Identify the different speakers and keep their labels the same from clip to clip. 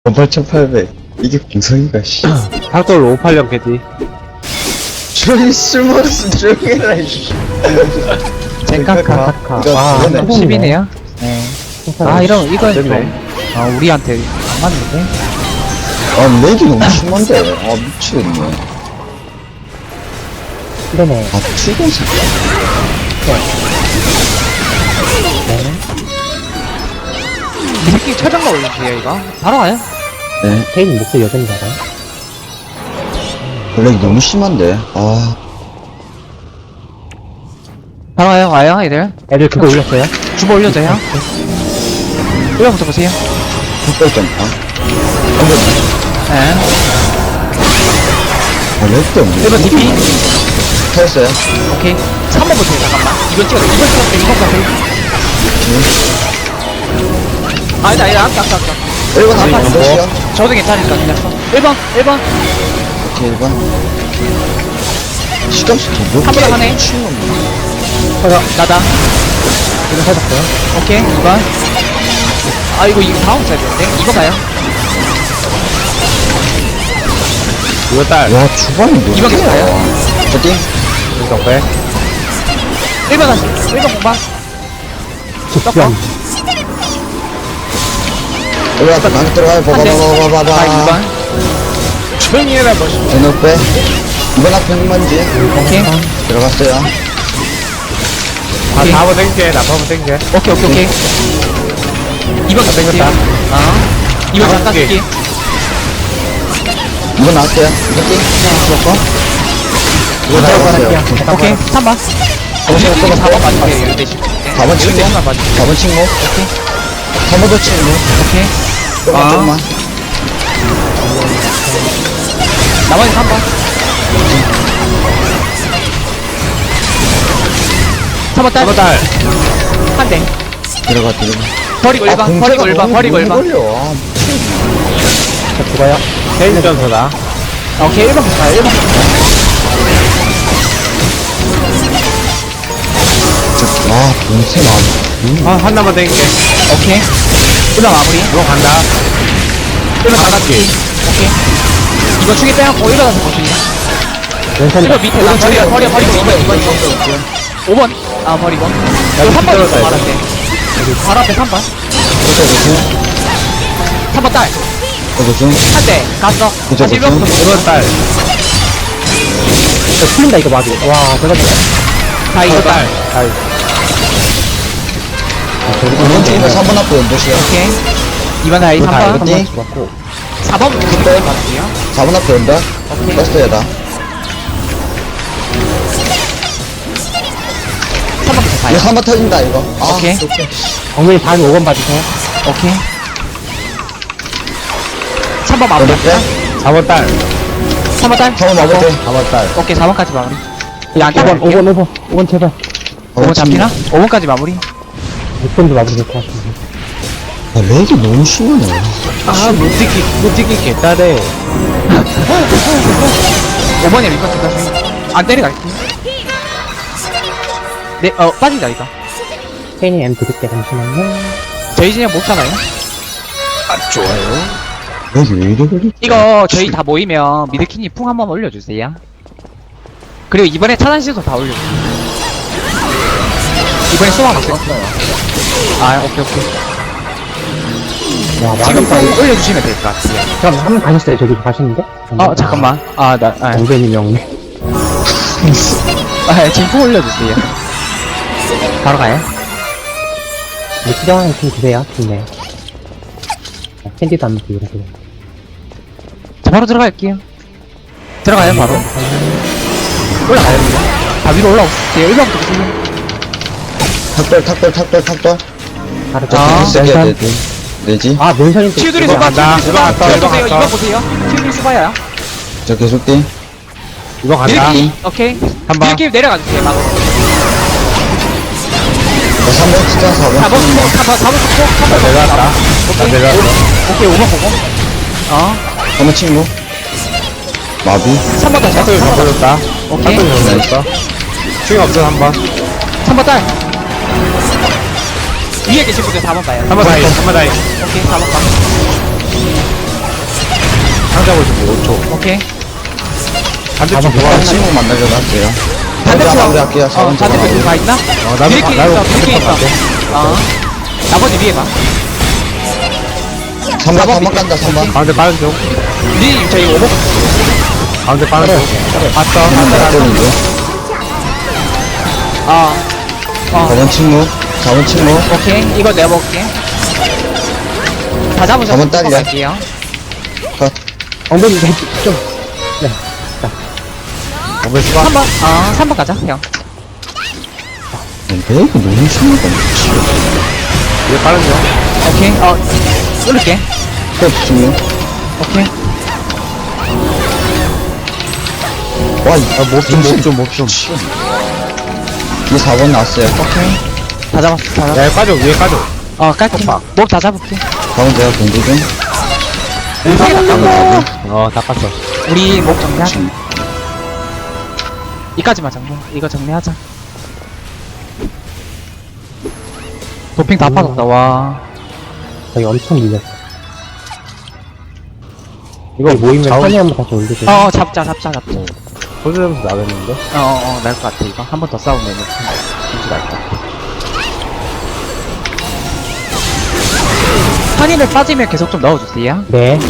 Speaker 1: 18,800 이게 공성이가 씨
Speaker 2: 탁돌 580 개지.
Speaker 1: 저기 쓸모없음 조용히 해라 이씨
Speaker 3: 젠카카.
Speaker 1: 이거
Speaker 3: 아,
Speaker 1: 그거네.
Speaker 3: 10이네요. 네. 아, 이건 좀,
Speaker 2: 됐네.
Speaker 3: 우리한테 안 맞는데?
Speaker 1: 아 렉이 너무 심한데 아 미치겠네
Speaker 3: 그러네.
Speaker 1: 아 출근사
Speaker 3: 이 새끼 최장가 올려주세요, 이거. 바로 가요?
Speaker 1: 네
Speaker 3: 케인 목소리 여전히 나가요?
Speaker 1: 렉이 너무 심한데 아
Speaker 3: 바로 와요, 애들. 애들 그거 올렸어요? 주보 올려줘요. 올려부터 보세요.
Speaker 1: 흑발점파
Speaker 3: 네.
Speaker 1: 아렉 때문에
Speaker 3: 1번 DP.
Speaker 1: 터졌어요
Speaker 3: 오케이. 3번 보세요, 잠깐만. 이번 찍었어, 이번 가세요. 아니다, 아까.
Speaker 1: 1번 한판
Speaker 3: 뭐?
Speaker 1: 몇이요?
Speaker 3: 저도 괜찮으니까 그냥 써. 1번.
Speaker 1: 오케이 1번 시감수 더
Speaker 3: 한 번에 하네. 나다. 이거 찾았어요. 오케이, 2번. 아, 이거 다음 차례인데? 2번 가요.
Speaker 2: 이거 딸.
Speaker 1: 와 주방이 뭐
Speaker 3: 2번 계속 가요.
Speaker 1: 저띵
Speaker 2: 이거 빼.
Speaker 3: 1번 다시. 1번 공방. 섞어.
Speaker 1: 1번 앞에 강력 들어가요
Speaker 3: 한 대.
Speaker 1: 봐봐봐봐봐봐
Speaker 3: 자, 2번.
Speaker 2: 조용히 해라, 멋있어.
Speaker 1: 대놓 빼 2번 앞에 흑만지
Speaker 3: 오케이.
Speaker 1: 들어갔어요
Speaker 2: 아,
Speaker 3: 오케이.
Speaker 2: 4번 땡겨. 나 4번 땡겨.
Speaker 3: 오케이. 2번 계속
Speaker 2: 땡겼다.
Speaker 3: 가요. 2번 잠깐
Speaker 2: 오케이.
Speaker 3: 쓸게.
Speaker 1: 2번 나왔어요 저띵
Speaker 3: 죽었고.
Speaker 1: 이거 나왔어요
Speaker 3: 오케이. 3번.
Speaker 1: 정신
Speaker 3: 이거 4번
Speaker 1: 없어서
Speaker 3: 맞으세요, 이럴 때.
Speaker 1: 4번 친구
Speaker 3: 이럴 때 맞으세요.
Speaker 1: 4번 친구 3번도 친구
Speaker 3: 오케이.
Speaker 1: 조금만
Speaker 3: 나머지 3번. 3번 딸.
Speaker 2: 4번 딸.
Speaker 3: 한 대.
Speaker 1: 들어가
Speaker 3: 버리고 1번. 버리고 1번. 버리고 1번.
Speaker 1: 걸려
Speaker 3: 자, 죽어요.
Speaker 2: 케인 전서다.
Speaker 3: 오케이, 1번 계속 가요. 1번 계속 가요.
Speaker 1: 아 동생 아
Speaker 2: 하나만 땡겨.
Speaker 3: 오케이. 1번 마무리.
Speaker 2: 이거 간다.
Speaker 3: 1번 나갔지. 오케이. 이거 축에 빼갖고 1번 가서 보시냐. 1번 밑에 나 버리고 2번. 5번. 아, 버리고. 이거 3번 있어,
Speaker 2: 밑에
Speaker 3: 바로 앞에. 바로 앞에 3번.
Speaker 1: 그쵸
Speaker 3: 3번 딸.
Speaker 1: 그쵸
Speaker 3: 한 대. 갔어.
Speaker 1: 그쵸,
Speaker 3: 다시
Speaker 1: 그쵸.
Speaker 3: 1번부터 보세요.
Speaker 2: 1번 딸.
Speaker 3: 풀린다, 이거 마비. 와, 대박이다. 자, 이거
Speaker 2: 1번
Speaker 3: 딸.
Speaker 2: 딸. 딸.
Speaker 1: 2번 친구 3번 앞에 연도시요
Speaker 3: 오케이. 2번 다이
Speaker 2: 이거 다
Speaker 3: 3번.
Speaker 1: 띵
Speaker 3: 4번 근데 맞을게요.
Speaker 1: 4번 앞에 연다
Speaker 3: 오케이.
Speaker 1: 버스트에다
Speaker 3: 3번 계속 가요.
Speaker 1: 이거 3번 터진다 이거 아,
Speaker 3: 오케이.
Speaker 1: 좋게.
Speaker 3: 엉덩이 반 5번 봐주세요. 오케이. 3번 마무리.
Speaker 1: 어렵대?
Speaker 2: 4번 딸.
Speaker 3: 3번 딸.
Speaker 1: 3번 마무리
Speaker 2: 4번 딸.
Speaker 3: 오케이, 4번까지 마무리. 야, 5번 제발. 5번 잡히나? 5번까지 마무리.
Speaker 4: 6번도 마무리 될것 같은데.
Speaker 1: 아 렉이 너무 심하네
Speaker 2: 아, 못 찍기 개딸해.
Speaker 3: 5번에 리퍼 찍어서. 안 때려갈게. 네, 빠진다, 이거.
Speaker 4: 케인이 M 드릴게, 잠시만요.
Speaker 3: 저희 진영 못 사나요?
Speaker 1: 렉이 왜 이래 걸리
Speaker 3: 이거 저희 다 모이면 미드키니 풍 한번 올려주세요. 그리고 이번에 차단시도 다 올려주세요. 이번에 소화 맞어요. 아, 오케이.
Speaker 4: 와,
Speaker 3: 지금
Speaker 4: 마무리가
Speaker 3: 풍 올려주시면 될 것 같아요.
Speaker 4: 그럼 한분 가셨어요, 저기 가시는데?
Speaker 3: 잠깐만.
Speaker 4: 정변이 명.
Speaker 3: 지금 풍 올려주세요. 바로 가요.
Speaker 4: 필요한 팀 주세요, 근데. 캔디도 안 먹고 이러세요.
Speaker 3: 자, 바로 들어갈게요. 들어가요, 바로. 올라가요, 그냥. 다 위로 올라오세요. 1번부터 보세요.
Speaker 1: 탁돌
Speaker 4: 바로
Speaker 3: 아,
Speaker 4: 저
Speaker 1: 세게 해야
Speaker 4: 멘션.
Speaker 1: 돼 내지
Speaker 4: 아, 멘션이 또.
Speaker 3: 치유들이
Speaker 2: 이거
Speaker 3: 수바,
Speaker 2: 간다.
Speaker 3: 치유들이 수바.
Speaker 2: 이거
Speaker 3: 이번
Speaker 2: 갔다,
Speaker 3: 보세요,
Speaker 2: 이거
Speaker 3: 이번
Speaker 2: 갔다.
Speaker 3: 보세요. 치유들이 수바야.
Speaker 1: 저 계속 띵
Speaker 2: 이거 간다.
Speaker 3: 미드키. 오케이.
Speaker 2: 한 번.
Speaker 3: 미드키 내려가주세요, 막.
Speaker 1: 3번 진짜 4번
Speaker 3: 4번 속고, 4번 속고,
Speaker 2: 나 내려왔다. 나
Speaker 3: 오케이.
Speaker 2: 내려왔어.
Speaker 3: 오케이, 5번 보고.
Speaker 1: 3번 친구 마비
Speaker 3: 3번 다시.
Speaker 2: 탁돌 잡아줬다.
Speaker 3: 오케이.
Speaker 2: 탁돌 잡아줬어. 충이 없어, 3번.
Speaker 3: 3번 딸. 위에 계신 분들 4번 봐요.
Speaker 2: 3번 다이. 3번 다이.
Speaker 3: 오케이, 4번 봐.
Speaker 2: 빠져보시고 5초.
Speaker 3: 오케이.
Speaker 2: 반대쪽
Speaker 1: 아,
Speaker 2: 도와.
Speaker 1: 친구 만나려고 할게요.
Speaker 3: 반대쪽.
Speaker 1: 마무리할게요.
Speaker 3: 반대쪽 누가 있나?
Speaker 2: 나도
Speaker 3: 이렇게
Speaker 2: 나도
Speaker 3: 있어, 이렇게 있어.
Speaker 2: 반대쪽
Speaker 3: 어. 나머지 위에 봐.
Speaker 1: 3번 3번 간다 3번.
Speaker 2: 가운데 빠른 쪽.
Speaker 3: 니 저희 오버
Speaker 2: 가운데 빠른 쪽. 봤어.
Speaker 1: 꼴이고.
Speaker 3: 어.
Speaker 1: 4번 친구. 4번 친구.
Speaker 3: 오케이. 이거 내가 먹을게. 다 잡으셔서
Speaker 1: 한번 딸려.
Speaker 3: 갈게요.
Speaker 1: 컷.
Speaker 4: 엉덩이 좀.
Speaker 2: 엉덩이 수박.
Speaker 3: 3번. 3번 가자, 형.
Speaker 1: 내가 이거 너무 심하다. 미치.
Speaker 2: 위에 빠른 쪽.
Speaker 3: 오케이. 쏠릴게.
Speaker 1: 컷 친구.
Speaker 3: 오케이.
Speaker 1: 와,
Speaker 2: 몹좀.
Speaker 1: 이 4번 나왔어요.
Speaker 3: 오케이. 다 잡았어, 다 잡았어.
Speaker 2: 야, 빠져, 위에 빠져.
Speaker 3: 깔게. 목다 잡을게.
Speaker 1: 다음 제가 공부 좀.
Speaker 2: 다 깠어.
Speaker 3: 우리 목 정리하자. 이까지만 정리. 이거 정리하자. 도핑 다 빠졌다, 와.
Speaker 4: 저기 엄청 밀렸어.
Speaker 2: 이거
Speaker 4: 모이면
Speaker 2: 좌우
Speaker 4: 선이 한번 다시 올리세요.
Speaker 3: 잡자.
Speaker 2: 소주점수 나겠는데?
Speaker 3: 날 것 같아, 이거. 한 번 더 싸우면 진짜 날것 같아. 한이를 빠지면 계속 좀 넣어주세요.
Speaker 4: 네.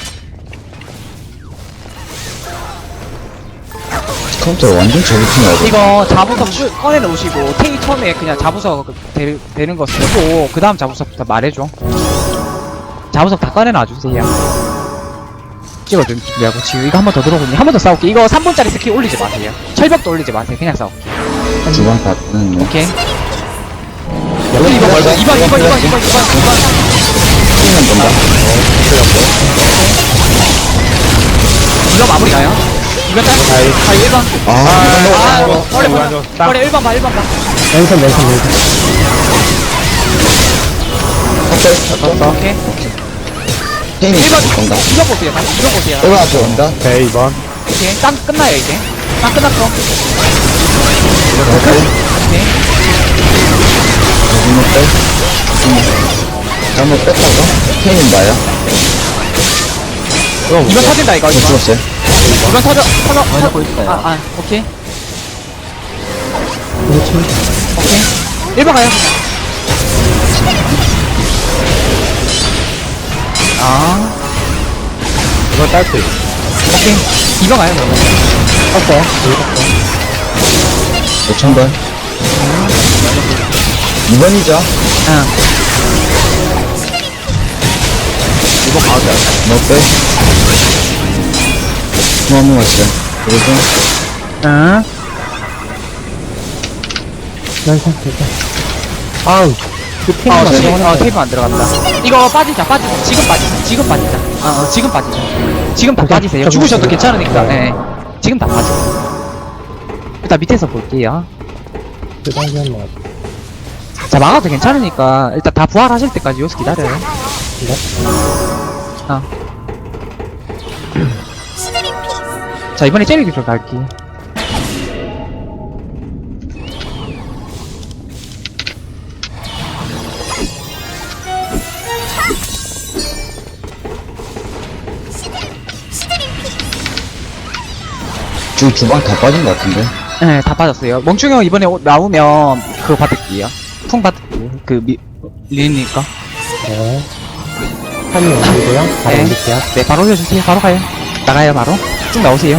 Speaker 1: 컴퓨터 완전 저기팅해야 돼.
Speaker 3: 이거 자부석 꺼내놓으시고, 테이 처음에 그냥 자부석 되는 거 쓰고, 그 다음 자부석부터 말해줘. 자부석 다 꺼내놔주세요. 찍어준 준비하고, 지금 이거 한 번 더 들어오거든요. 한 번 더 싸울게. 이거 3분짜리 스킬 올리지 마세요. 철벽도 올리지 마세요. 그냥 싸울게.
Speaker 1: 주방 받는.
Speaker 3: 오케이.
Speaker 1: 여기
Speaker 3: 2번, 2번.
Speaker 1: 만 본다.
Speaker 3: 이거 마무리 가요. 이거 짤? 1번. 머리 1번 봐.
Speaker 4: 왼손.
Speaker 3: 오케이.
Speaker 1: 테임이
Speaker 3: 1번.
Speaker 1: 본다.
Speaker 3: 2번 보세요. 다시 2번 보세요.
Speaker 1: 1번 앞에 온다.
Speaker 2: 오케이, 2번.
Speaker 3: 오케이. 땀 끝나요, 이제. 땀 끝났어.
Speaker 1: 오케이.
Speaker 3: 오케이.
Speaker 1: 잘못 빼. 잘못 뺐다가 테임 봐요.
Speaker 3: 이번 터진다, 이거.
Speaker 1: 저 죽었어요.
Speaker 3: 이번 터져. 오케이. 오케이. 1번 가요.
Speaker 2: 이거 딸피.
Speaker 3: 오케이. 2번 가요, 그러면.
Speaker 4: 떴어요.
Speaker 1: 5,000번. 2번이죠.
Speaker 3: 응.
Speaker 1: 2번 가운데. 너 빼. 한 번 왔어요. 그리고
Speaker 3: 응.
Speaker 4: 왼손. 아우. 그 팀이
Speaker 3: 테이프 안 들어간다. 이거 빠지자. 지금 빠지자. 지금 빠지자. 지금 다 빠지세요. 죽으셔도 괜찮으니까. 네. 지금 다 빠져. 일단 밑에서 볼게요. 자, 막아도 괜찮으니까 일단 다 부활하실 때까지 여기서 기다려요. 자, 이번에 젤리 기술 갈게요.
Speaker 1: 지금 주방 다 빠진 것 같은데.
Speaker 3: 네, 다 빠졌어요. 멍충이 형 이번에 나오면 그거 받을게요. 풍 받을게요. 리니까.
Speaker 4: 네. 선이 올리고요. 바로
Speaker 3: 네.
Speaker 4: 올릴게요.
Speaker 3: 네, 바로 올려주세요. 바로 가요. 나가요, 바로. 쭉 나오세요.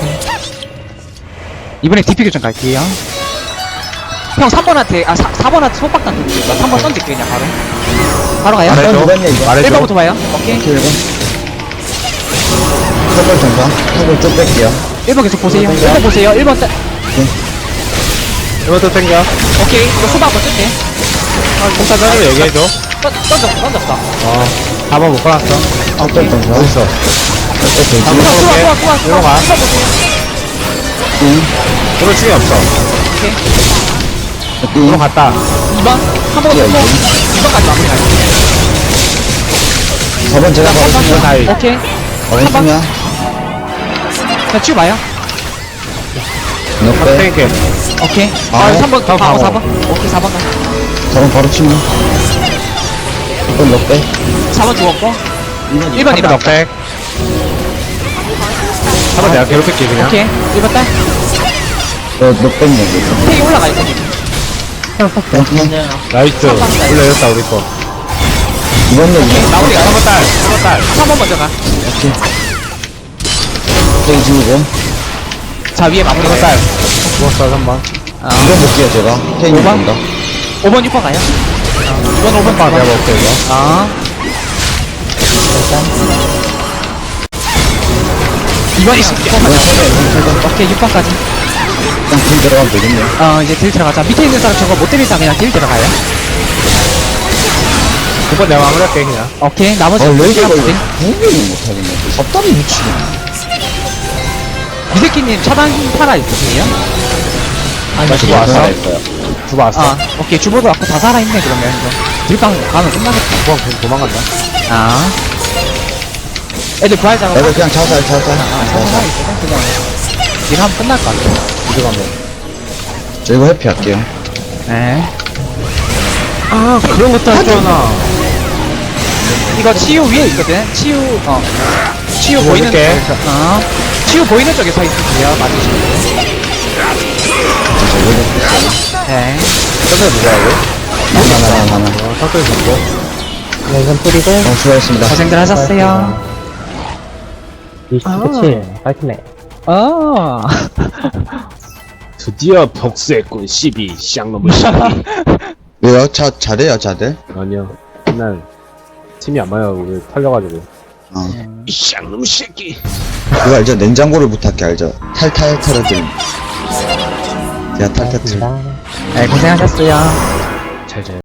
Speaker 3: 이번에 DP 교정 갈게요. 형 3번한테, 4번한테 손박단 돌리니까 3번 던질게요, 그냥 바로. 바로 가요.
Speaker 2: 말해줘.
Speaker 1: 누갔냐, 이거?
Speaker 2: 말해줘.
Speaker 3: 1번부터 봐요. 오케이.
Speaker 1: 1번. 컵을 정상. 컵을 쭉 뺄게요.
Speaker 3: 1번 계속 보세요. 1번 보세요. 1번
Speaker 2: 이것도 땡겨.
Speaker 3: 오케이. 이거 수박 한번 쓸게.
Speaker 2: 공사장으로 얘기해줘.
Speaker 3: 던졌어.
Speaker 2: 4번 못 꺼놨어.
Speaker 1: 컵을 정상.
Speaker 2: 어딨어?
Speaker 1: 컵을
Speaker 3: 수박,
Speaker 1: 정상.
Speaker 3: 수박.
Speaker 2: 이거 봐. 이거 충이 없어. 이거 갔다.
Speaker 3: 2번. 한 번 더 쓰고. 2번까지 마무리 갈게요.
Speaker 1: 4번 제가 바로
Speaker 2: 이거
Speaker 1: 치면.
Speaker 2: 다이.
Speaker 3: 오케이.
Speaker 1: 4번 치면.
Speaker 3: 자, 치우 봐요.
Speaker 1: 너 빼.
Speaker 2: 땡겨.
Speaker 3: 오케이.
Speaker 1: 아,
Speaker 3: 3번,
Speaker 2: 다음
Speaker 3: 바로
Speaker 2: 방어.
Speaker 3: 4번. 오케이, 4번 가.
Speaker 1: 4번 바로 치면. 1번 너 빼.
Speaker 3: 4번 죽었고. 1번
Speaker 2: 한번
Speaker 3: 일어났다.
Speaker 2: 넉백. 한번 내가 괴롭힐게, 그냥.
Speaker 3: 오케이. 1번 딸.
Speaker 1: 너 뺐네.
Speaker 3: 테이 올라가 있어.
Speaker 2: 나이스. 올라였다, 우리 거.
Speaker 1: 이번 내 이번
Speaker 3: 나머지가
Speaker 2: 3번 딸, 3번 딸.
Speaker 3: 3번 먼저 가.
Speaker 1: 땡 지우고.
Speaker 3: 자, 위에 마무리
Speaker 2: 3번 딸. 죽었어, 3번.
Speaker 1: 이번 볼게요, 제가. 케인
Speaker 3: 오번?
Speaker 1: 본다.
Speaker 3: 5번, 6번 가요. 2번, 5번
Speaker 2: 아, 내가 먹을게, 이거.
Speaker 3: 아. 2번 있어. 6번 가자. 오케이, 6번까지.
Speaker 1: 그냥 길 들어가면 되겠네.
Speaker 3: 이제 딜 들어가자. 밑에 있는 사람 저거 못 때릴 사람 그냥 딜 들어가요.
Speaker 2: 9번 내가 마무리할게, 그냥.
Speaker 3: 오케이, 나머지
Speaker 1: 레이저가
Speaker 3: 딜.
Speaker 1: 이거 구분을 못하겠네. 섭답이 미치겠네.
Speaker 3: 미새끼님 차단 팔아 있으세요?
Speaker 2: 나 주고 왔어? 주고 왔어?
Speaker 3: 아, 오케이. 주보도 왔고 다 살아있네, 그러면. 이거. 딜빵 가면 끝나겠다.
Speaker 2: 그건 그냥 도망간다.
Speaker 3: 아. 애들 부활 작업.
Speaker 1: 애들 그냥 자살.
Speaker 3: 살살 있거든, 그냥. 딜하면 끝날 것 같아.
Speaker 2: 이거 가면.
Speaker 1: 저 이거 회피할게요.
Speaker 3: 네.
Speaker 2: 아, 그런 것도 할 줄 아나.
Speaker 3: 이거 치유 위에 있거든? 치유 보이는
Speaker 2: 볼게.
Speaker 3: 쪽에서, 치유 보이는 쪽에 서 있으세요. 맞으시고. 네.
Speaker 2: 점에 누가 하고?
Speaker 1: 하나.
Speaker 2: 어, 석돌 잡고.
Speaker 4: 왼손 뿌리고.
Speaker 1: 수고하셨습니다.
Speaker 3: 고생들 하셨어요.
Speaker 4: 27. 파이트네.
Speaker 2: 드디어 복수했군, 12. 쌍놈의 12.
Speaker 1: 왜요? 잘해요, 자들?
Speaker 2: 아니요. 맨날 팀이 안 맞아요. 우리 털려가지고.
Speaker 1: 어.
Speaker 2: 쌍놈의 새끼.
Speaker 1: 그거 알죠? 냉장고를 부탁해, 알죠? 탈탈 털어드림. 제가 탈탈 털.
Speaker 4: 고맙습니다.
Speaker 3: 네, 고생하셨어요.
Speaker 2: 잘 자요.